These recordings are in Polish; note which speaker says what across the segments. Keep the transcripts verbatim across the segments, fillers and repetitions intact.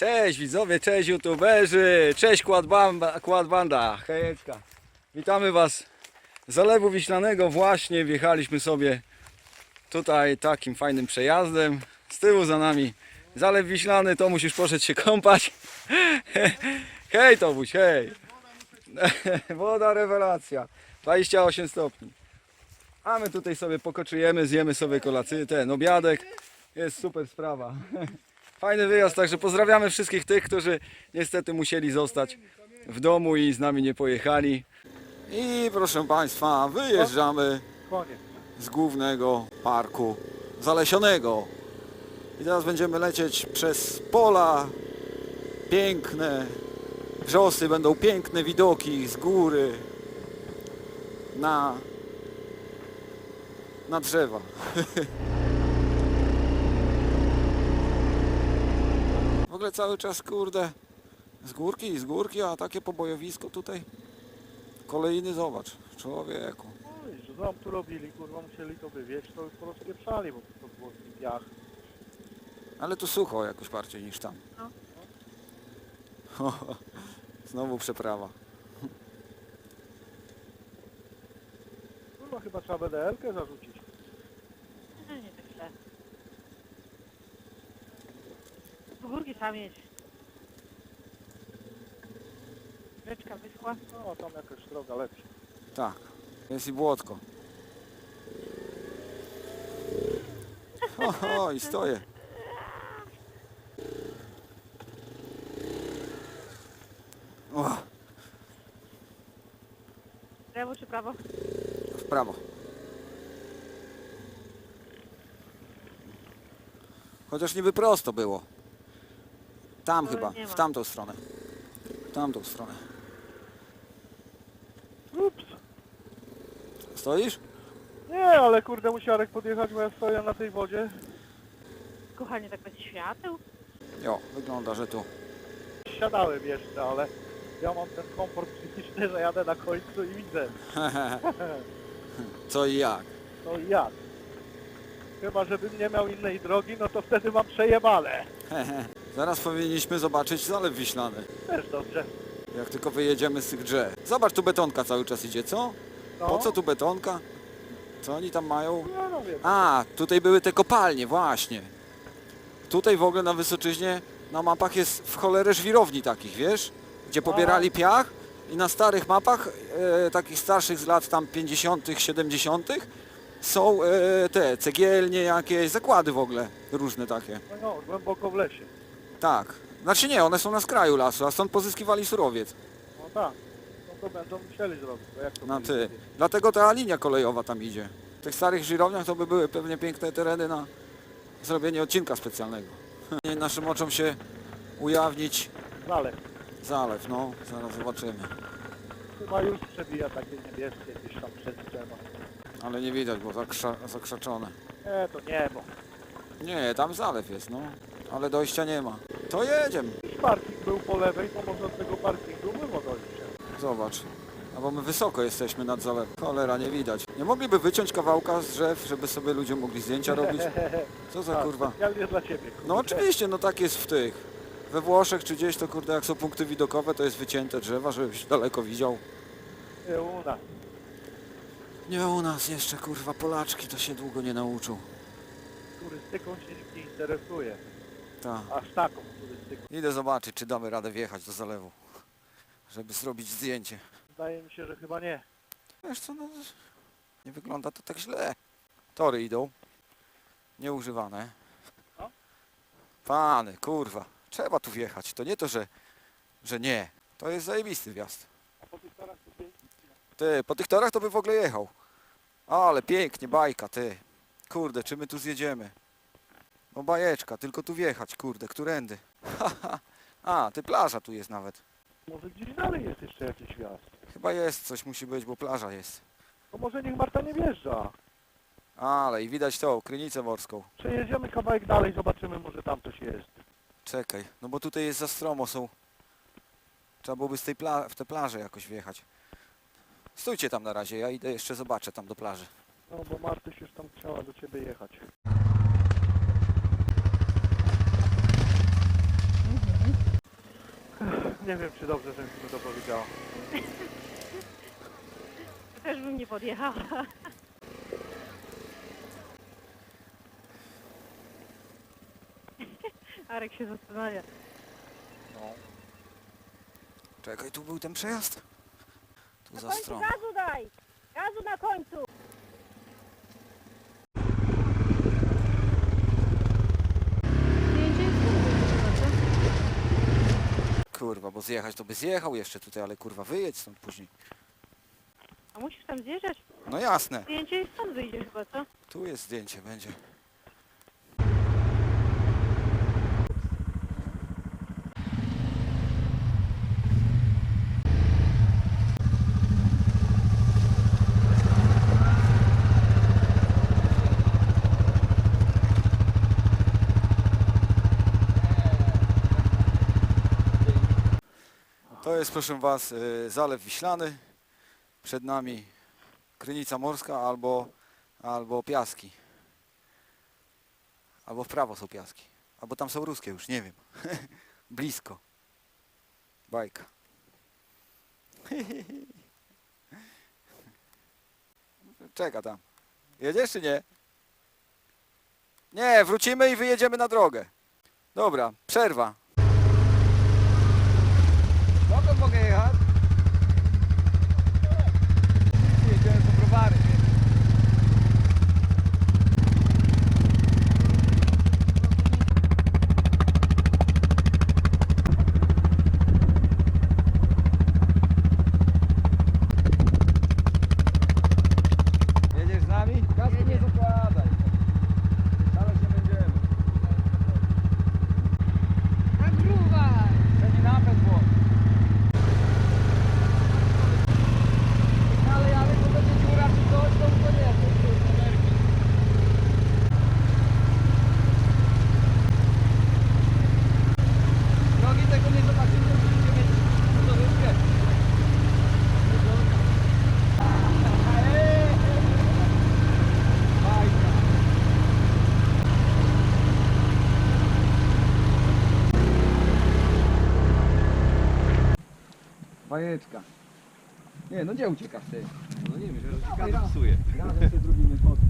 Speaker 1: Cześć widzowie, cześć youtuberzy, cześć Quadbanda, Quadbanda, hejeczka. Witamy was z Zalewu Wiślanego. Właśnie wjechaliśmy sobie tutaj takim fajnym przejazdem. Z tyłu za nami Zalew Wiślany, to musisz poszedł się kąpać. Hej Tobuś, hej. Woda rewelacja, dwadzieścia osiem stopni. A my tutaj sobie pokoczujemy, zjemy sobie kolację, ten obiadek. Jest super sprawa. Fajny wyjazd, także pozdrawiamy wszystkich tych, którzy niestety musieli zostać w domu i z nami nie pojechali. I proszę Państwa, wyjeżdżamy z głównego parku zalesionego. I teraz będziemy lecieć przez pola piękne, wrzosy, będą piękne widoki z góry na, na drzewa. W ogóle cały czas, kurde, z górki i z górki, a takie pobojowisko tutaj. Kolejny, zobacz, człowieku.
Speaker 2: Oj, że tam tu robili, kurwa, musieli to wywieźć, to już porozpieprzali, bo to było piach.
Speaker 1: Ale tu sucho jakoś bardziej niż tam.
Speaker 2: No.
Speaker 1: Znowu przeprawa.
Speaker 2: Kurwa, chyba trzeba B D L-kę zarzucić.
Speaker 3: No nie tak źle. Do górki trzeba mieć. Rzeczka wyschła.
Speaker 2: No, tam jakaś droga lepsza.
Speaker 1: Tak, jest i błotko. O, i stoję. O,
Speaker 3: Lewo czy prawo?
Speaker 1: w prawo. Chociaż niby prosto było. Tam
Speaker 3: Ale
Speaker 1: chyba,
Speaker 3: nie ma.
Speaker 1: w tamtą stronę. W tamtą stronę.
Speaker 2: Ups.
Speaker 1: Stoisz?
Speaker 2: Nie, ale kurde, musiarek podjechać, bo ja stoję na tej wodzie.
Speaker 3: Kochanie, tak bez świateł?
Speaker 1: Jo, wygląda, że tu.
Speaker 2: Siadałem jeszcze, ale ja mam ten komfort psychiczny, że jadę na końcu i widzę.
Speaker 1: Co i jak?
Speaker 2: No i jak? Chyba, żebym nie miał innej drogi, no to wtedy mam przejebane.
Speaker 1: Zaraz powinniśmy zobaczyć Zalew Wiślany.
Speaker 2: Też dobrze.
Speaker 1: Jak tylko wyjedziemy z tych drzew. Zobacz, tu betonka cały czas idzie, co?
Speaker 2: No.
Speaker 1: Po co tu betonka? Co oni tam mają?
Speaker 2: No, no wiem.
Speaker 1: A, tutaj były te kopalnie, właśnie. Tutaj w ogóle na Wysoczyźnie na mapach jest w cholerę żwirowni takich, wiesz? Gdzie pobierali piach i na starych mapach, e, takich starszych z lat tam pięćdziesiątych, siedemdziesiątych są e, te cegielnie jakieś, zakłady w ogóle, różne takie.
Speaker 2: No, no, głęboko w lesie.
Speaker 1: Tak. Znaczy nie, one są na skraju lasu, a stąd pozyskiwali surowiec.
Speaker 2: No tak. No to będą musieli zrobić, bo jak to
Speaker 1: Na
Speaker 2: byli
Speaker 1: ty.
Speaker 2: zrobić?
Speaker 1: Dlatego ta linia kolejowa tam idzie. W tych starych żwirowniach to by były pewnie piękne tereny na zrobienie odcinka specjalnego. Nie naszym oczom się ujawnić
Speaker 2: Zalew.
Speaker 1: zalew, no, zaraz zobaczymy.
Speaker 2: Chyba już przebija takie niebieskie gdzieś tam przez drzewa.
Speaker 1: Ale nie widać, bo zakrza zakrzaczone.
Speaker 2: Nie, to niebo.
Speaker 1: Nie, tam zalew jest, no. Ale dojścia nie ma. To jedziemy.
Speaker 2: Już parking był po lewej, to może od tego parkingu było dojście.
Speaker 1: Zobacz. A bo my wysoko jesteśmy nad zalewem. Cholera, nie widać. Nie mogliby wyciąć kawałka z drzew, żeby sobie ludzie mogli zdjęcia robić? Co za
Speaker 2: Tak,
Speaker 1: kurwa?
Speaker 2: specjalnie dla ciebie. Kurde.
Speaker 1: No oczywiście, no tak jest w tych. We Włoszech czy gdzieś to kurde, jak są punkty widokowe, to jest wycięte drzewa, żebyś daleko widział.
Speaker 2: Nie, u nas.
Speaker 1: Nie u nas jeszcze kurwa, Polaczki to się długo nie nauczą.
Speaker 2: Turystyką się nikt nie interesuje.
Speaker 1: Tak.
Speaker 2: Aż taką turystyką.
Speaker 1: Idę zobaczyć, czy damy radę wjechać do zalewu, żeby zrobić zdjęcie.
Speaker 2: Wydaje mi się, że chyba nie.
Speaker 1: Wiesz co, no nie wygląda to tak źle. Tory idą, nieużywane.
Speaker 2: No.
Speaker 1: Pany, kurwa, trzeba tu wjechać. To nie to, że, że nie. To jest zajebisty wjazd.
Speaker 2: A po tych torach to pięknie.
Speaker 1: Ty, po tych torach to by w ogóle jechał. Ale pięknie, bajka, ty. Kurde, czy my tu zjedziemy? No bajeczka, tylko tu wjechać, kurde, którędy? A, ty plaża tu jest nawet.
Speaker 2: Może gdzieś dalej jest jeszcze jakiś wjazd.
Speaker 1: Chyba jest, coś musi być, bo plaża jest.
Speaker 2: To może niech Marta nie wjeżdża.
Speaker 1: Ale i widać tą, Krynicę Morską.
Speaker 2: Przejedziemy kawałek dalej, zobaczymy, może tam coś jest.
Speaker 1: Czekaj, no bo tutaj jest za stromo, są... Trzeba byłoby z tej pla w tę plażę jakoś wjechać. Stójcie tam na razie, ja idę jeszcze zobaczę tam do plaży.
Speaker 2: No bo Martyś już tam chciała do ciebie jechać.
Speaker 3: Mhm.
Speaker 2: Nie wiem, czy dobrze, że mi to powiedziała.
Speaker 3: To też bym nie podjechała. Arek się zastanawia.
Speaker 2: No.
Speaker 1: Czekaj, tu był ten przejazd? Tu za
Speaker 3: końcu
Speaker 1: stroną.
Speaker 3: gazu daj! Gazu na końcu!
Speaker 1: Kurwa, bo zjechać to by zjechał jeszcze tutaj, ale kurwa wyjedź stąd później.
Speaker 3: A musisz tam zjeżdżać?
Speaker 1: No jasne,
Speaker 3: Zdjęcie i stąd wyjdzie chyba, co?
Speaker 1: tu jest zdjęcie, będzie. To jest, proszę Was, y, Zalew Wiślany. Przed nami Krynica Morska albo, albo Piaski. Albo w prawo są Piaski. Albo tam są ruskie już, nie wiem. Blisko. Bajka. Czeka tam. Jedziesz czy nie? Nie, wrócimy i wyjedziemy na drogę. Dobra, przerwa. Dokąd mogę jechać? Jedziemy po browary. Jedziesz z nami? Kasku nie zakładaj. Dalej się będziemy.
Speaker 3: Nagruwaj!
Speaker 1: Będzie napęd włącz. Ale ale to będzie dziura czy coś, to to nie, to już jest energii. Drogi tego nie zobaczymy, musicie mieć motorówkę. Bajka. Bajeczka. Nie, no gdzie uciekasz ty?
Speaker 4: No nie wiem, że ci kadr psuje.
Speaker 1: Razem się zrobimy fotki.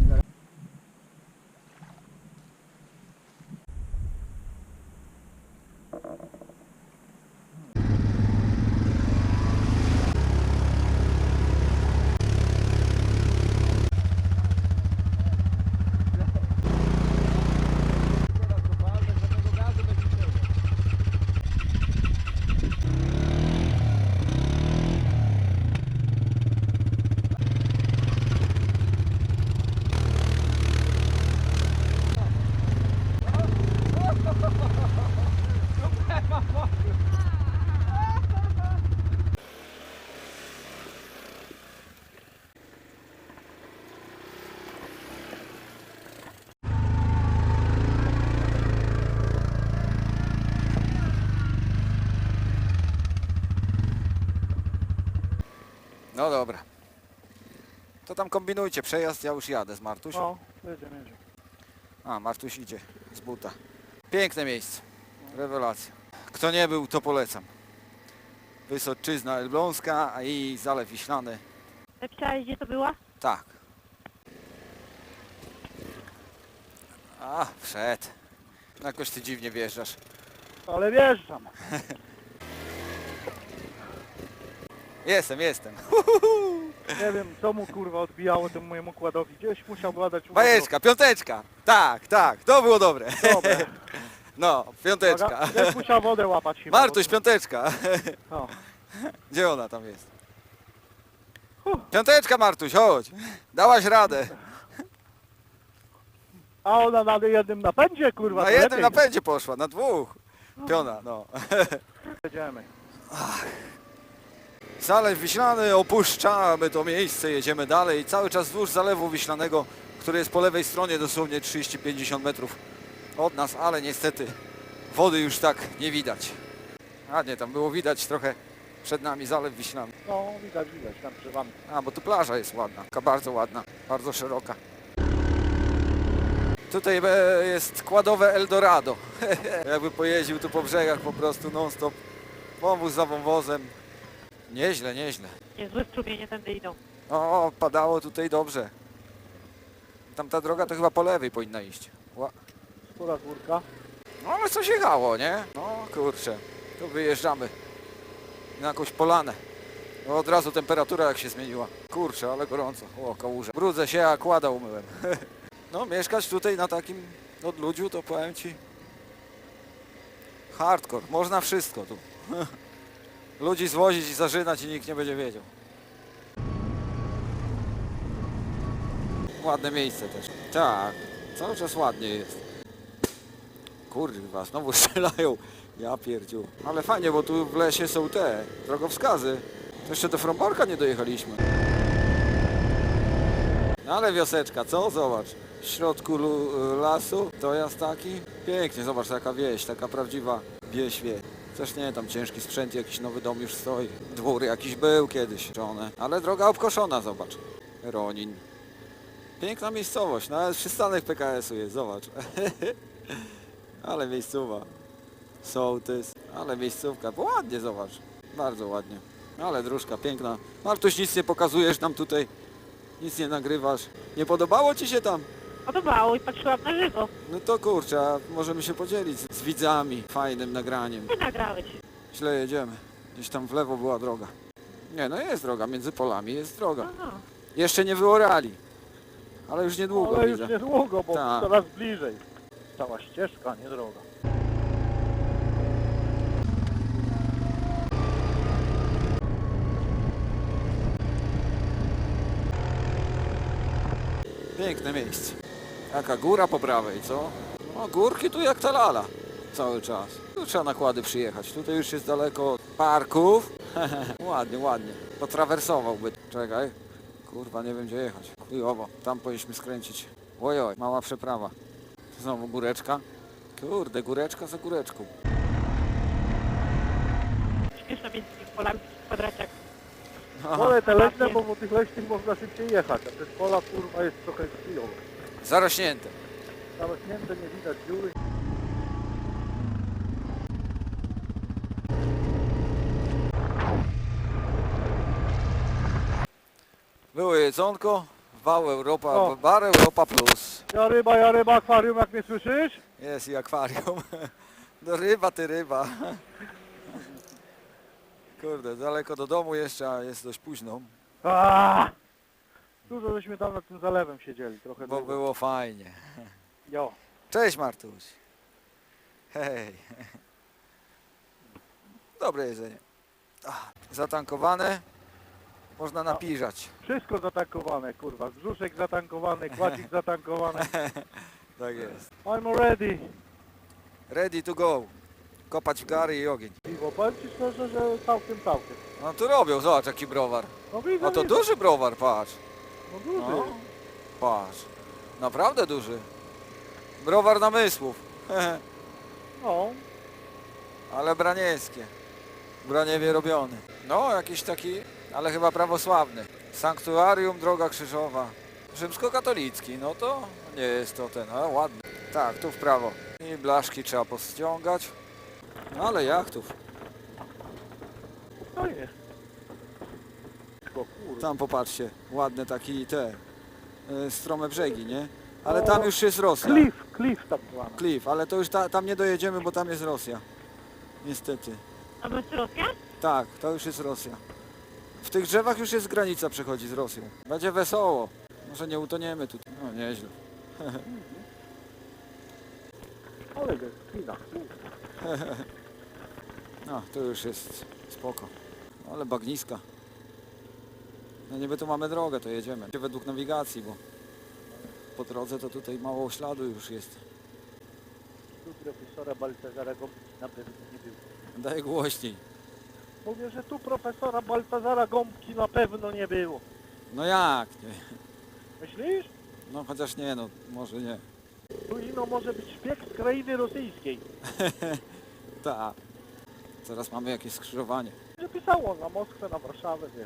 Speaker 1: No dobra. To tam kombinujcie przejazd, ja już jadę z Martusią.
Speaker 2: No, jedziemy, jedziemy.
Speaker 1: A, Martuś idzie z buta. Piękne miejsce. Rewelacja. Kto nie był, to polecam. Wysoczyzna Elbląska a i Zalew Wiślany.
Speaker 3: Napisałeś, gdzie to była?
Speaker 1: Tak. A, wszedł. Jakoś ty dziwnie wjeżdżasz.
Speaker 2: Ale wjeżdżam.
Speaker 1: Jestem, jestem.
Speaker 2: Nie wiem, co mu kurwa odbijało temu mojemu układowi. Gdzieś musiał badać układ.
Speaker 1: Bajeczka, piąteczka. Tak, tak, to było dobre.
Speaker 2: Dobre.
Speaker 1: No, piąteczka.
Speaker 2: Uwaga, Gdzieś musiał wodę łapać chyba.
Speaker 1: Martuś, piąteczka.
Speaker 2: O.
Speaker 1: Gdzie ona tam jest? Piąteczka, Martuś, chodź. Dałaś radę.
Speaker 2: A ona na jednym napędzie kurwa.
Speaker 1: Na
Speaker 2: to
Speaker 1: jednym
Speaker 2: lepiej.
Speaker 1: napędzie poszła, na dwóch. Piona, no.
Speaker 2: Jedziemy.
Speaker 1: Zalew Wiślany, opuszczamy to miejsce, jedziemy dalej. Cały czas wzdłuż Zalewu Wiślanego, który jest po lewej stronie dosłownie trzydzieści pięćdziesiąt metrów od nas, ale niestety wody już tak nie widać. A nie, tam było widać trochę przed nami Zalew Wiślany.
Speaker 2: No, widać, widać tam przy wami.
Speaker 1: A, bo tu plaża jest ładna, taka bardzo ładna, bardzo szeroka. Tutaj e, jest kładowe Eldorado. Jakby pojeździł tu po brzegach po prostu non stop, Wąwóz za wąwozem. Nieźle, nieźle.
Speaker 3: Niezłe strumienie tędy idą.
Speaker 1: O, padało tutaj dobrze. Tamta droga to chyba po lewej powinna iść. Ła.
Speaker 2: Skóra górka.
Speaker 1: No ale coś jechało, nie? No kurczę, tu wyjeżdżamy na jakąś polanę. No, od razu temperatura jak się zmieniła. Kurczę, ale gorąco. O, kałuża. Brudzę się, a kłada umyłem. No mieszkać tutaj na takim odludziu to powiem ci hardcore. Można wszystko tu. Ludzi zwozić i zażynać i nikt nie będzie wiedział. Ładne miejsce też. Tak, cały czas ładnie jest. Kurwa, znowu strzelają. Ja pierdziu. Ale fajnie, bo tu w lesie są te drogowskazy. To jeszcze do Fromborka nie dojechaliśmy. No ale wioseczka, co? Zobacz. W środku lu- lasu, to jest taki. Pięknie, zobacz, taka wieś, taka prawdziwa wieś wie. Też nie, tam ciężki sprzęt, jakiś nowy dom już stoi. Dwór jakiś był kiedyś, żonę. Ale droga obkoszona, zobacz. Ronin. Piękna miejscowość, nawet przystanek P K S-u jest, zobacz. Ale miejscowa. Sołtys, ale miejscówka, bo ładnie, zobacz. Bardzo ładnie. Ale dróżka piękna. Martuś, nic nie pokazujesz nam tutaj. Nic nie nagrywasz. Nie podobało ci się tam?
Speaker 3: Podobało i patrzyłam na żywo.
Speaker 1: No to kurczę, a możemy się podzielić z, z widzami fajnym nagraniem.
Speaker 3: Ty nagrałeś.
Speaker 1: Źle jedziemy. Gdzieś tam w lewo była droga. Nie, no jest droga, między polami jest droga.
Speaker 3: Aha.
Speaker 1: Jeszcze nie wyorali. Ale już niedługo
Speaker 2: Ale
Speaker 1: widzę.
Speaker 2: już niedługo, bo
Speaker 1: Tak.
Speaker 2: coraz bliżej. Cała ścieżka, nie droga.
Speaker 1: Piękne miejsce. Jaka góra po prawej, co? No górki tu jak ta lala. Cały czas. Tu trzeba nakłady przyjechać. Tutaj już jest daleko od parków. Ładnie, ładnie. Potrawersowałby. Czekaj. Kurwa, nie wiem gdzie jechać. Chujowo. Tam powinniśmy skręcić. Ojoj, mała przeprawa. Znowu góreczka. Kurde, góreczka za góreczką.
Speaker 3: Śmieszno między tymi polami kwadraciak.
Speaker 1: Aha.
Speaker 2: Pole te leśne, bo po tych leśnych można szybciej jechać, a przez pola kurwa jest trochę chwilowo.
Speaker 1: Zarośnięte.
Speaker 2: Zarośnięte, nie widać dziury.
Speaker 1: Było jedzonko. Wał Europa,
Speaker 2: O.
Speaker 1: bar Europa Plus.
Speaker 2: Ja ryba, ja ryba, akwarium, jak mnie słyszysz?
Speaker 1: Jest i akwarium. No ryba, ty ryba. Kurde, daleko do domu jeszcze, a jest dość późno,
Speaker 2: Aaaa! Dużo żeśmy tam nad tym zalewem siedzieli, trochę
Speaker 1: bo
Speaker 2: długo.
Speaker 1: było fajnie.
Speaker 2: Jo.
Speaker 1: Cześć Martuś. Hej. Dobre jedzenie. Ach, zatankowane. Można napiżać.
Speaker 2: Wszystko zatankowane, kurwa. Brzuszek zatankowany, kładzik zatankowany.
Speaker 1: Tak jest.
Speaker 2: I'm ready.
Speaker 1: Ready to go. Kopać w gary i ogień.
Speaker 2: Piwo, powiem ci szczerze, że całkiem, całkiem.
Speaker 1: No tu robią, zobacz jaki browar.
Speaker 2: No widzę,
Speaker 1: No to
Speaker 2: widzę.
Speaker 1: duży browar, patrz.
Speaker 2: No duży.
Speaker 1: No, patrz. Naprawdę duży. Browar namysłów.
Speaker 2: No.
Speaker 1: Ale branieńskie. W Braniewie robiony. No, jakiś taki, ale chyba prawosławny. Sanktuarium Droga Krzyżowa. Rzymskokatolicki, no to nie jest to ten, ale ładny. Tak, tu w prawo. I blaszki trzeba pościągać. No ale jachtów.
Speaker 2: Fajnie. Bo kurwa.
Speaker 1: Tam popatrzcie, ładne taki te y, strome brzegi, nie? Ale tam już jest Rosja.
Speaker 2: Cliff, cliff tak zwany.
Speaker 1: Cliff, ale to już ta, tam nie dojedziemy, bo tam jest Rosja. Niestety.
Speaker 3: A my z Rosja?
Speaker 1: Tak, to już jest Rosja. W tych drzewach już jest granica, przechodzi z Rosją. Będzie wesoło. Może nie utoniemy tu. No nieźle.
Speaker 2: Ale jest kina.
Speaker 1: No, to już jest spoko. Ale bagniska. No niby tu mamy drogę, to jedziemy. Według nawigacji, bo po drodze to tutaj mało śladu już jest.
Speaker 2: Tu profesora Baltazara Gąbki na pewno nie było.
Speaker 1: Daj głośniej.
Speaker 2: Mówię, że tu profesora Baltazara Gąbki na pewno nie było.
Speaker 1: No jak? Nie.
Speaker 2: Myślisz?
Speaker 1: No chociaż nie, no może nie.
Speaker 2: Tu ino może być szpieg z krainy rosyjskiej.
Speaker 1: Tak. Zaraz mamy jakieś skrzyżowanie.
Speaker 2: Że pisało na Moskwę, na Warszawę, wiesz.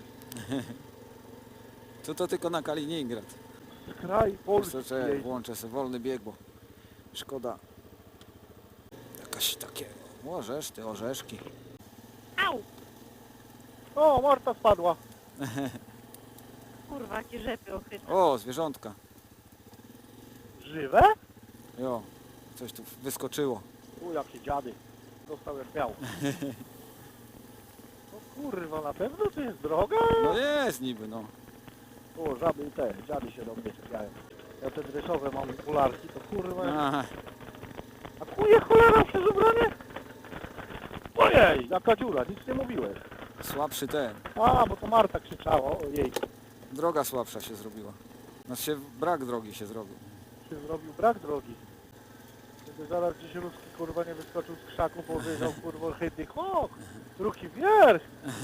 Speaker 1: Tu to tylko na Kaliningrad.
Speaker 2: Z kraj Polski.
Speaker 1: Jeszcze
Speaker 2: jeździ.
Speaker 1: włączę sobie wolny bieg, bo szkoda. Jakaś takie orzesz, ty orzeszki.
Speaker 3: Au!
Speaker 2: O, Marta spadła.
Speaker 3: Kurwa, jakie rzepy ochydne.
Speaker 1: O, zwierzątka.
Speaker 2: Żywe?
Speaker 1: Jo, coś tu wyskoczyło.
Speaker 2: U, jakie dziady. Dostał jak miał. No kurwa, na pewno to jest droga?
Speaker 1: No jest niby, no.
Speaker 2: O, żaby i te, dziady się do mnie czepiają. Ja te dreszowe mam okularki, to kurwa...
Speaker 1: Aha.
Speaker 2: A kuje cholera przez ubranie? Ojej, jaka dziura, nic nie mówiłeś.
Speaker 1: Słabszy ten.
Speaker 2: A, bo to Marta krzyczała, ojej.
Speaker 1: Droga słabsza się zrobiła. Znaczy się brak drogi się zrobił.
Speaker 2: Się zrobił brak drogi. Gdyby zaraz gdzieś ruski kurwa nie wyskoczył z krzaku, powiedział kurwa chytny chłop, ruki wierch.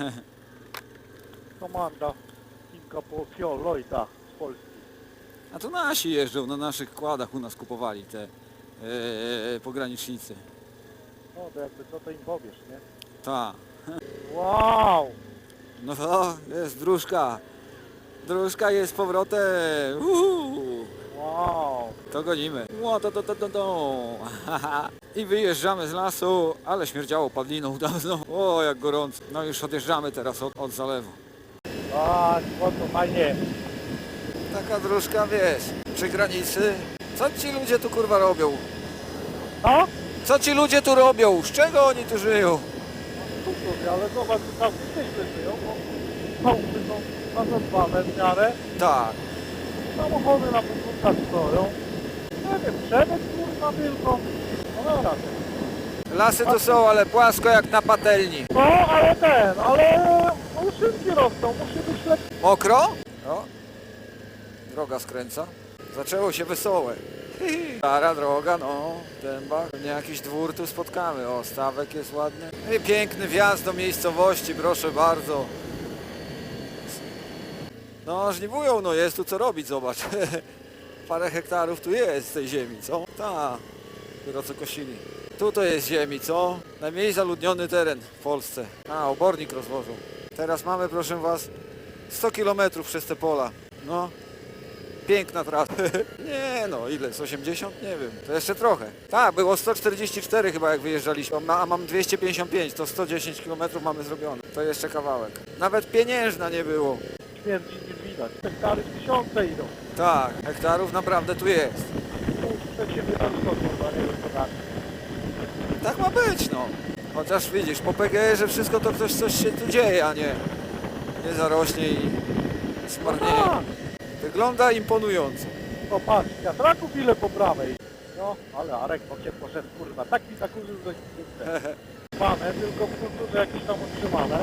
Speaker 2: Komanda Kimka po Fiolojta z Polski.
Speaker 1: A to nasi jeżdżą, na naszych kładach u nas kupowali te e, pogranicznicy.
Speaker 2: No to jakby co to im powiesz, nie?
Speaker 1: Ta.
Speaker 2: Wow!
Speaker 1: No to jest dróżka. Dróżka jest z powrotem. Uhu.
Speaker 2: Wow!
Speaker 1: To gonimy. Ło, to, to, to, to, to. I wyjeżdżamy z lasu, ale śmierdziało padliną dawno. O, jak gorąco. No już odjeżdżamy teraz od, od zalewu.
Speaker 2: A, o to fajnie.
Speaker 1: Taka dróżka, wiesz, przy granicy. Co ci ludzie tu kurwa robią?
Speaker 2: No?
Speaker 1: Co ci ludzie tu robią? Z czego oni tu żyją?
Speaker 2: Super, ale zobacz, że tam nieźle żyją, bo chałupy są nazadbane w miarę.
Speaker 1: Tak.
Speaker 2: Samochody na podwórkach stoją. Nie wiem, przemysł kurwa tylko. No dobra.
Speaker 1: Lasy tu są, ale płasko jak na patelni.
Speaker 2: No, ale ten, ale uszynki rosną, musi być lepiej.
Speaker 1: Mokro? No. Droga skręca. Zaczęło się wesołe. Stara droga, no, dęba. Pewnie jakiś dwór tu spotkamy. O, stawek jest ładny. I piękny wjazd do miejscowości, proszę bardzo. No, żniwują, no, jest tu co robić, zobacz. Parę hektarów tu jest z tej ziemi, co? Tak, dopiero co kosili. Tu to jest ziemi, co? Najmniej zaludniony teren w Polsce. A, obornik rozłożą. Teraz mamy, proszę was, sto kilometrów przez te pola. No, piękna trasa. Nie no, ile? Z osiemdziesiąt? Nie wiem. To jeszcze trochę. Tak, było sto czterdzieści cztery chyba jak wyjeżdżaliśmy, a mam dwieście pięćdziesiąt pięć, to sto dziesięć kilometrów mamy zrobione. To jeszcze kawałek. Nawet pieniężna nie było.
Speaker 2: Śmierdzi nie widać. Hektary tysiące idą.
Speaker 1: Tak, hektarów naprawdę tu jest.
Speaker 2: Przed siebie tam sto kurwa, nie wiem co tak.
Speaker 1: Tak ma być, no. Chociaż widzisz, po P G R-ze wszystko to coś, coś się tu dzieje, a nie, nie zarośnie i zmarnieje.
Speaker 2: Tak.
Speaker 1: Wygląda imponująco.
Speaker 2: No patrz, wiatraków ile po prawej. No, ale Arek po cię poszedł kurwa, tak mi zakurzył, że nie chcę. Mamy, tylko w kulturze jakieś tam utrzymane.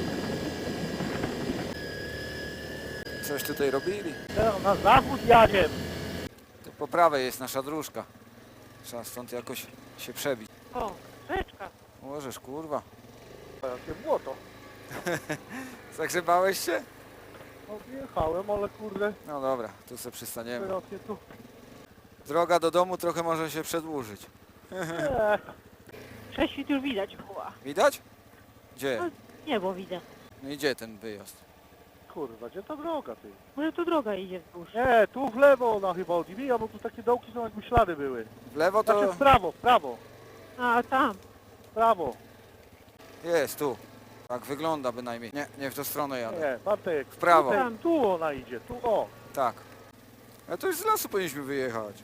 Speaker 1: Coś tutaj robili.
Speaker 2: Teraz na zachód jadę.
Speaker 1: To po prawej jest nasza dróżka. Trzeba stąd jakoś się przebić.
Speaker 3: O, rzeczka.
Speaker 1: Możesz, kurwa.
Speaker 2: Jakie błoto.
Speaker 1: Zagrzebałeś się?
Speaker 2: No wjechałem, ale kurde,
Speaker 1: No dobra, tu sobie przystaniemy.
Speaker 2: teraz je tu...
Speaker 1: Droga do domu trochę może się przedłużyć.
Speaker 2: Eee,
Speaker 3: Prześwit już widać, chła.
Speaker 1: Widać? Gdzie?
Speaker 3: No, niebo widzę.
Speaker 1: No i gdzie ten wyjazd?
Speaker 2: kurwa, gdzie ta droga ty?
Speaker 3: Może tu droga idzie wzdłuż.
Speaker 2: Nie, tu w lewo ona chyba odbija, bo tu takie dołki są jakby ślady były.
Speaker 1: W lewo
Speaker 2: Znaczy
Speaker 1: to
Speaker 2: w prawo, w prawo,
Speaker 3: A, tam.
Speaker 2: w prawo.
Speaker 1: jest, tu. Tak wygląda bynajmniej. Nie, nie w tą stronę jadę.
Speaker 2: Nie, Bartek,
Speaker 1: W prawo.
Speaker 2: tutaj, tu ona idzie, tu o.
Speaker 1: Tak. A to już z lasu powinniśmy wyjechać.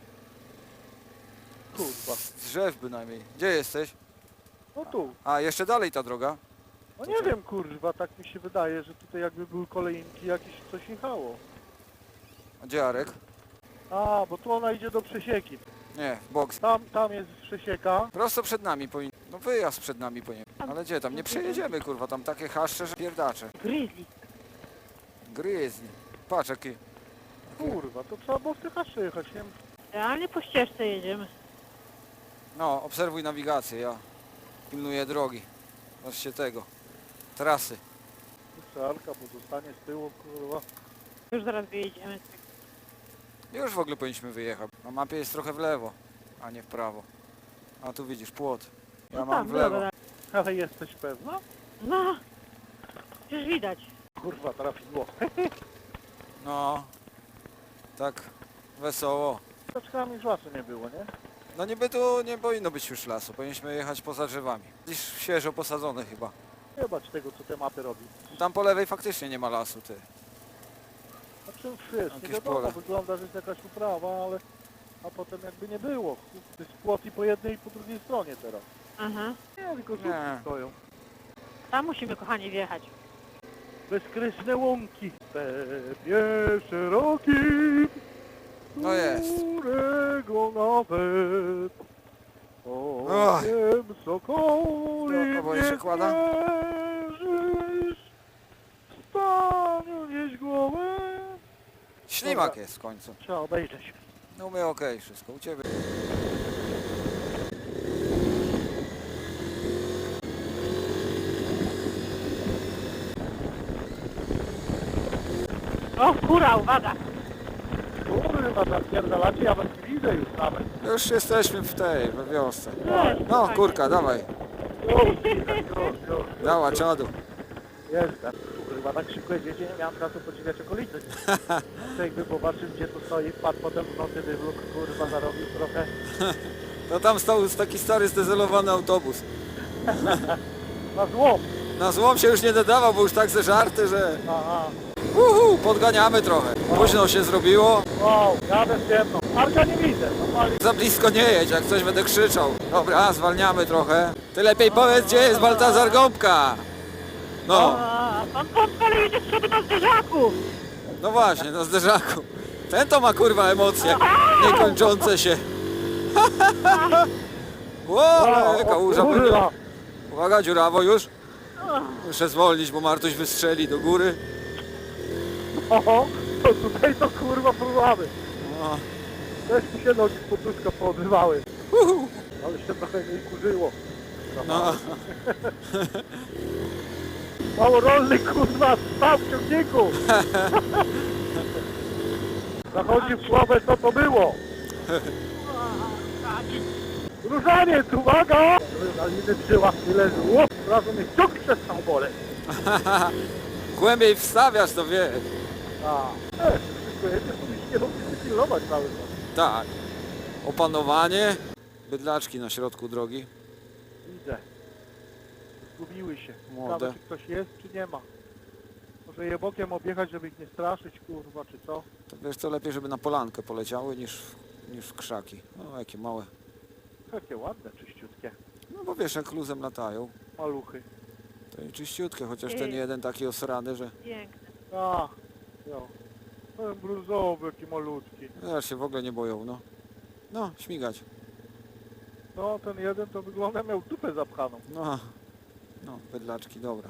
Speaker 2: Kurwa,
Speaker 1: Z drzew bynajmniej. Gdzie jesteś?
Speaker 2: no tu.
Speaker 1: A, jeszcze dalej ta droga?
Speaker 2: No nie wiem kurwa, tak mi się wydaje, że tutaj jakby były kolejnki, jakieś coś jechało.
Speaker 1: A gdzie Arek?
Speaker 2: A, bo tu ona idzie do przesieki.
Speaker 1: Nie, w bok.
Speaker 2: Tam, tam jest przesieka.
Speaker 1: Prosto przed nami powinien. No wyjazd przed nami powinien. Ale gdzie tam? Nie przejedziemy, kurwa. Tam takie haszcze, że pierdacze.
Speaker 3: Grizzly.
Speaker 1: Gryzni. Patrz jaki.
Speaker 2: Kurwa, to trzeba było w tych haszcze jechać, nie wiem.
Speaker 3: Realnie po ścieżce jedziemy.
Speaker 1: No, obserwuj nawigację, ja pilnuję drogi. Właśnie tego. Trasy.
Speaker 2: Arka, bo zostanie z tyłu, kurwa.
Speaker 3: Już zaraz wyjedziemy.
Speaker 1: Już w ogóle powinniśmy wyjechać. Na mapie jest trochę w lewo, a nie w prawo. A tu widzisz płot. Ja
Speaker 3: No
Speaker 1: mam
Speaker 3: tam,
Speaker 1: w lewo.
Speaker 3: dobra.
Speaker 2: Ale jesteś pewna?
Speaker 3: No, już widać.
Speaker 2: Kurwa, trafiło.
Speaker 1: No. Tak wesoło.
Speaker 2: Taczkami już lasu nie było, nie?
Speaker 1: No niby tu nie powinno być już lasu. Powinniśmy jechać poza drzewami. Gdzieś świeżo posadzone chyba.
Speaker 2: Zobacz tego, co te mapy robi.
Speaker 1: Tam po lewej faktycznie nie ma lasu, ty.
Speaker 2: Znaczy wiesz, nie
Speaker 1: Jakieś
Speaker 2: wiadomo,
Speaker 1: pole.
Speaker 2: wygląda, że jest jakaś uprawa, ale... A potem jakby nie było. To jest płot i po jednej i po drugiej stronie teraz.
Speaker 3: Aha.
Speaker 2: Nie, tylko żółki
Speaker 1: Nie.
Speaker 2: stoją.
Speaker 3: Tam musimy, kochani, wjechać.
Speaker 2: Bezkresne łąki. Stepie szeroki.
Speaker 1: No jest.
Speaker 2: Którego nawet
Speaker 1: Och.
Speaker 2: okiem sokoli
Speaker 1: No, bo jeszcze kłada?
Speaker 2: mierzysz. Staniu nieś głowę.
Speaker 1: Ślimak
Speaker 2: Dobra.
Speaker 1: jest w końcu.
Speaker 2: Trzeba obejrzeć.
Speaker 1: No my okej, wszystko u ciebie.
Speaker 3: O, kura, uwaga!
Speaker 2: Kurwa, zapierdalacie, ja was nie widzę już nawet.
Speaker 1: Już jesteśmy w tej, we wiosce.
Speaker 3: Cześć,
Speaker 1: No
Speaker 3: kochani.
Speaker 1: kurka, dawaj.
Speaker 2: Już, już, już.
Speaker 1: Dała czadu.
Speaker 2: Jestem. Kurwa, tak szybko jedziecie, nie miałem czasu podziwiać okolicy. Jakby popatrzył, gdzie to stoi, wpadł potem w nocy wywlókł, kurwa, zarobił trochę.
Speaker 1: No tam stał taki stary zdezelowany autobus.
Speaker 2: Na złom.
Speaker 1: Na złom się już nie nadawał, bo już tak zeżarty, że...
Speaker 2: Aha.
Speaker 1: Uhu, podganiamy trochę. Późno się zrobiło.
Speaker 2: Wow, jadę w ciemno. Arka nie widzę. Normalnie.
Speaker 1: Za blisko nie jedź, jak coś będę krzyczał. Dobra, zwalniamy trochę. Ty lepiej powiedz, gdzie jest Baltazar Gąbka. No,
Speaker 3: A, pan Pompel jedzie sobie na zderzaku!
Speaker 1: no właśnie, na zderzaku. Ten to ma kurwa emocje, niekończące się. Ło, jaka łóża będzie.
Speaker 2: Kurwa.
Speaker 1: Uwaga, dziurawo już. Muszę zwolnić, bo Martuś wystrzeli do góry.
Speaker 2: Oho, to tutaj to kurwa próbamy.
Speaker 1: O,
Speaker 2: Też mi się nogi z potuszka poodrywały.
Speaker 1: uhu.
Speaker 2: Ale się trochę nie kurzyło.
Speaker 1: No,
Speaker 2: Mało rolny kurwa, stał w ciągniku. Zachodzi w słabę, co to było. Różaniec, uwaga! Adrenaliny w żyłach nie leży. Łop, od razu mnie ciąg przestał boleć.
Speaker 1: głębiej wstawiasz, to wiesz.
Speaker 2: A, e, wszystko jedzie, to mi się nie robi pilnować cały czas.
Speaker 1: Tak. Opanowanie. Bydlaczki na środku drogi.
Speaker 2: Widzę. Zgubiły się.
Speaker 1: Młode.
Speaker 2: Ciekawe, czy ktoś jest, czy nie ma. Może je bokiem objechać, żeby ich nie straszyć, kurwa, czy co?
Speaker 1: To wiesz co, lepiej żeby na polankę poleciały niż, niż w krzaki. No jakie małe.
Speaker 2: Jakie ładne, czyściutkie.
Speaker 1: No bo wiesz, jak luzem latają,
Speaker 2: Maluchy.
Speaker 1: to i czyściutkie, chociaż ten jeden taki osrany, że
Speaker 3: Piękne.
Speaker 2: A, jo. Ten brązowy, jaki malutki.
Speaker 1: aż się w ogóle nie boją, no. No, śmigać.
Speaker 2: No, ten jeden to wygląda miał dupę zapchaną.
Speaker 1: No, no, bydlaczki, dobra.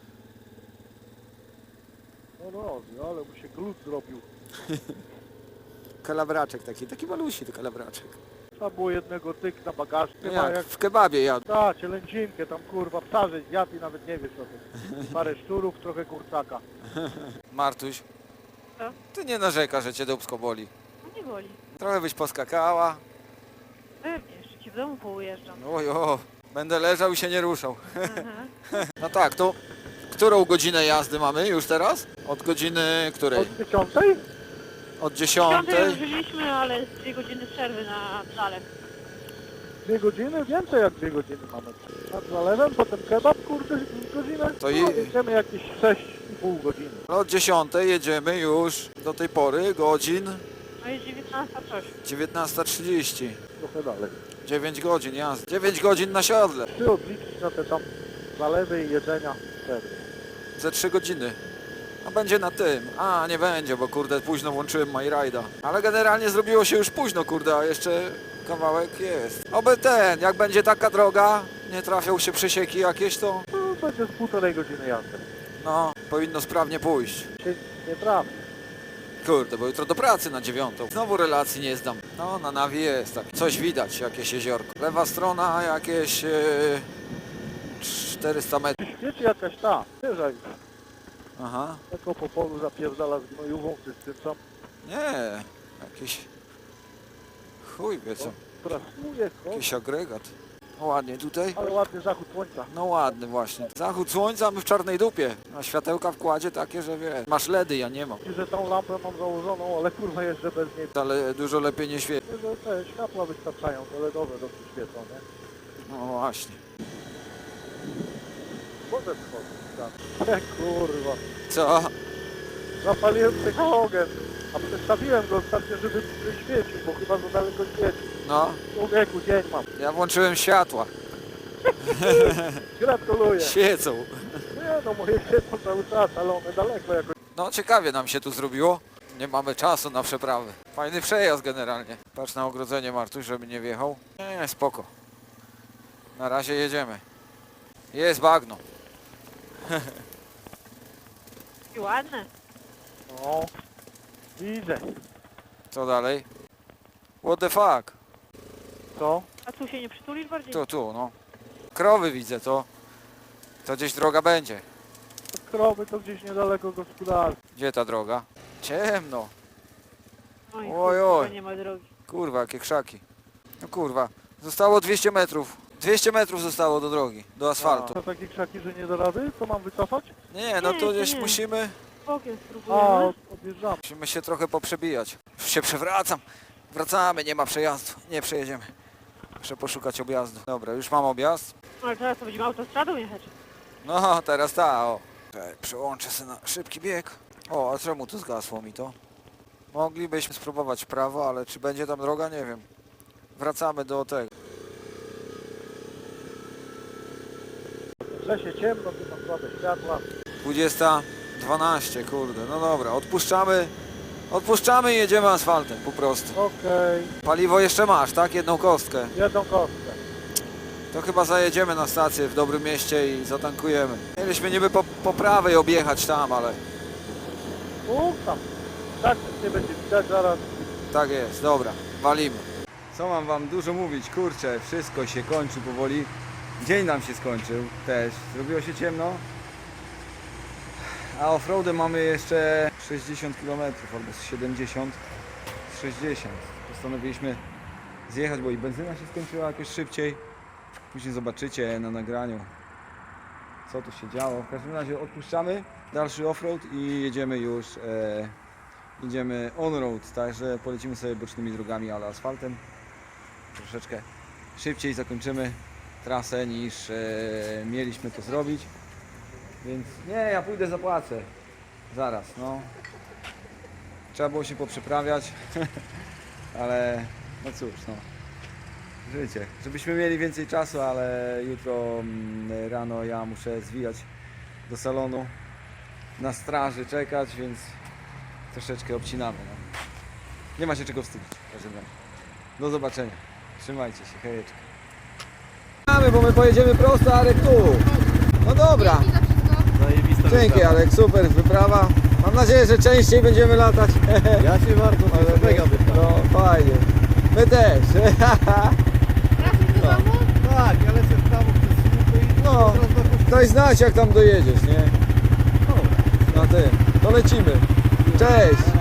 Speaker 2: No, no, ale mu się glut zrobił.
Speaker 1: Kalabraczek taki, taki malusi to kalabraczek.
Speaker 2: Trzeba było jednego tyk na bagaż.
Speaker 1: No
Speaker 2: Nie ma
Speaker 1: jak
Speaker 2: jak...
Speaker 1: w kebabie jadł.
Speaker 2: Ta, cielęcinkę tam, kurwa, psarze zjadł i nawet nie wiesz o tym. Parę szczurów, trochę kurczaka.
Speaker 1: Martuś,
Speaker 3: Co?
Speaker 1: ty nie narzeka, że cię dupsko boli.
Speaker 3: No nie boli.
Speaker 1: Trochę byś poskakała.
Speaker 3: Pewnie, jeszcze ci w domu poujeżdżam.
Speaker 1: Ojo, będę leżał i się nie ruszał.
Speaker 3: Aha.
Speaker 1: No tak, to którą godzinę jazdy mamy już teraz? Od godziny której?
Speaker 2: Od dziesiątej?
Speaker 1: Od
Speaker 3: Piątej
Speaker 1: dziesiątej?
Speaker 3: już żyliśmy, ale z dwie godziny przerwy na zalew.
Speaker 2: Dwie godziny? Więcej jak dwie godziny mamy. Nad zalewem, potem kebab, kurde, godzinę.
Speaker 1: To i-
Speaker 2: No, jedziemy jakieś sześć i pół godziny.
Speaker 1: Od dziesiątej jedziemy już do tej pory godzin
Speaker 3: No jest dziewiętnasta coś.
Speaker 1: dziewiętnasta trzydzieści.
Speaker 2: Trochę dalej.
Speaker 1: dziewięć godzin jazdy. dziewięć godzin na siodle.
Speaker 2: Ty odliczyć na te tam zalewy i jedzenia. Pewnie.
Speaker 1: Ze trzy godziny. A będzie na tym. A, nie będzie, bo kurde późno włączyłem MyRide'a. Ale generalnie zrobiło się już późno, kurde, a jeszcze kawałek jest. Oby ten, jak będzie taka droga, nie trafią się przesieki jakieś, to
Speaker 2: No, będzie z półtorej godziny jazdy.
Speaker 1: no, powinno sprawnie pójść.
Speaker 2: Się nie trafi.
Speaker 1: Kurde, bo jutro do pracy na dziewiątą. Znowu relacji nie zdam. No, na nawi jest tak. Coś widać, jakieś jeziorko. Lewa strona, jakieś e, czterysta metrów.
Speaker 2: Wiecie jakaś ta, wieża już.
Speaker 1: Aha.
Speaker 2: Tylko po polu zapierdala z gnojówą, czy z tym co.
Speaker 1: Nie, jakiś... Chuj wie co.
Speaker 2: Prasuje,
Speaker 1: Jakiś agregat. No ładnie tutaj.
Speaker 2: ale ładny zachód słońca.
Speaker 1: No ładny właśnie. Zachód słońca, a my w czarnej dupie. A światełka w kładzie takie, że wiesz. Masz ledy, ja nie mam.
Speaker 2: I że tą lampę mam założoną, ale kurwa jeszcze bez niej.
Speaker 1: Ale dużo lepiej nie świeci.
Speaker 2: Że te światła wystarczają, te ledowe dobrze świecą, nie?
Speaker 1: No właśnie.
Speaker 2: Może wchodzić. E, kurwa.
Speaker 1: Co?
Speaker 2: Zapaliłem psychogen, a przestawiłem go ostatnio, żeby świecił, bo chyba za daleko świeci.
Speaker 1: No,
Speaker 2: Człowieku, dzień mam.
Speaker 1: ja włączyłem światła.
Speaker 2: Gratuluję.
Speaker 1: Świecą.
Speaker 2: Nie no, moje świecą cały czas, ale one daleko jakoś.
Speaker 1: No ciekawie nam się tu zrobiło. Nie mamy czasu na przeprawy. Fajny przejazd generalnie. Patrz na ogrodzenie, Martuś, żeby nie wjechał. Nie, nie, spoko. Na razie jedziemy. Jest bagno.
Speaker 3: I ładne.
Speaker 2: No, widzę.
Speaker 1: Co dalej? What the fuck?
Speaker 2: Co?
Speaker 3: A tu się nie przytulisz bardziej?
Speaker 1: Tu, tu, no. Krowy widzę, to... To gdzieś droga będzie.
Speaker 2: Krowy to gdzieś niedaleko gospodarstwa.
Speaker 1: Gdzie ta droga? Ciemno.
Speaker 3: Oj,
Speaker 1: Oj,
Speaker 3: kurwa,
Speaker 1: oj.
Speaker 3: nie ma drogi.
Speaker 1: Kurwa, jakie krzaki. No kurwa. Zostało dwieście metrów. dwieście metrów zostało do drogi, do asfaltu.
Speaker 2: To takie krzaki, że nie da rady? To mam wycofać?
Speaker 1: Nie, no
Speaker 3: Nie,
Speaker 1: to
Speaker 3: to
Speaker 1: gdzieś
Speaker 3: nie.
Speaker 1: musimy...
Speaker 3: Bokiem
Speaker 2: A,
Speaker 3: spróbujemy.
Speaker 2: od- odjeżdżam.
Speaker 1: Musimy się trochę poprzebijać. Już się przewracam. Wracamy, nie ma przejazdu. Nie przejedziemy. Muszę poszukać objazdu. Dobra, już mam objazd.
Speaker 3: Ale teraz to będziemy autostradą jechać.
Speaker 1: No, teraz ta, o. Czekaj, przełączę się na szybki bieg. O, a czemu tu zgasło mi to? Moglibyśmy spróbować w prawo, ale czy będzie tam droga? Nie wiem. Wracamy do tego.
Speaker 2: Że się ciemno, tu ma słabe światła.
Speaker 1: dwudziesta dwanaście, kurde. No dobra, odpuszczamy. Odpuszczamy i jedziemy asfaltem po prostu.
Speaker 2: Okej,
Speaker 1: Paliwo jeszcze masz, tak? Jedną kostkę.
Speaker 2: jedną kostkę.
Speaker 1: To chyba zajedziemy na stację w dobrym mieście i zatankujemy. Mieliśmy niby po, po prawej objechać tam, ale
Speaker 2: U, tam. Tak, nic nie będzie widać zaraz.
Speaker 1: tak jest, dobra, walimy. Co mam wam dużo mówić, kurczę, wszystko się kończy powoli. Dzień nam się skończył też, zrobiło się ciemno. A offroadem mamy jeszcze sześćdziesiąt kilometrów albo z siedemdziesiąt, z sześćdziesiąt. Postanowiliśmy zjechać, bo i benzyna się skończyła jakoś szybciej. Później zobaczycie na nagraniu, co tu się działo. W każdym razie odpuszczamy dalszy offroad i jedziemy już, e, idziemy on-road, także polecimy sobie bocznymi drogami, ale asfaltem. Troszeczkę szybciej zakończymy trasę niż e, mieliśmy to zrobić. Więc nie, ja pójdę zapłacę. Zaraz, no. Trzeba było się poprzeprawiać, ale no cóż, no. Życie. Żebyśmy mieli więcej czasu, ale jutro mm, rano ja muszę zwijać do salonu na straży czekać, więc troszeczkę obcinamy. No. Nie ma się czego wstydzić. w każdym razie. Do zobaczenia. Trzymajcie się, hejeczka. Mamy, bo my pojedziemy prosto, Arek tu. No dobra.
Speaker 4: Zajebista
Speaker 1: Dzięki
Speaker 4: wyprawa.
Speaker 1: Arek, super wyprawa. Mam nadzieję, że częściej będziemy latać.
Speaker 4: Ja się bardzo cieszę, mega wyprawa.
Speaker 1: No fajnie. My też.
Speaker 4: Tak, ja lecę w prawo przez słupy i
Speaker 1: No,
Speaker 4: teraz na kościół.
Speaker 1: daj znać jak tam dojedziesz, nie?
Speaker 4: Dobra.
Speaker 1: Na tym. To lecimy. Cześć.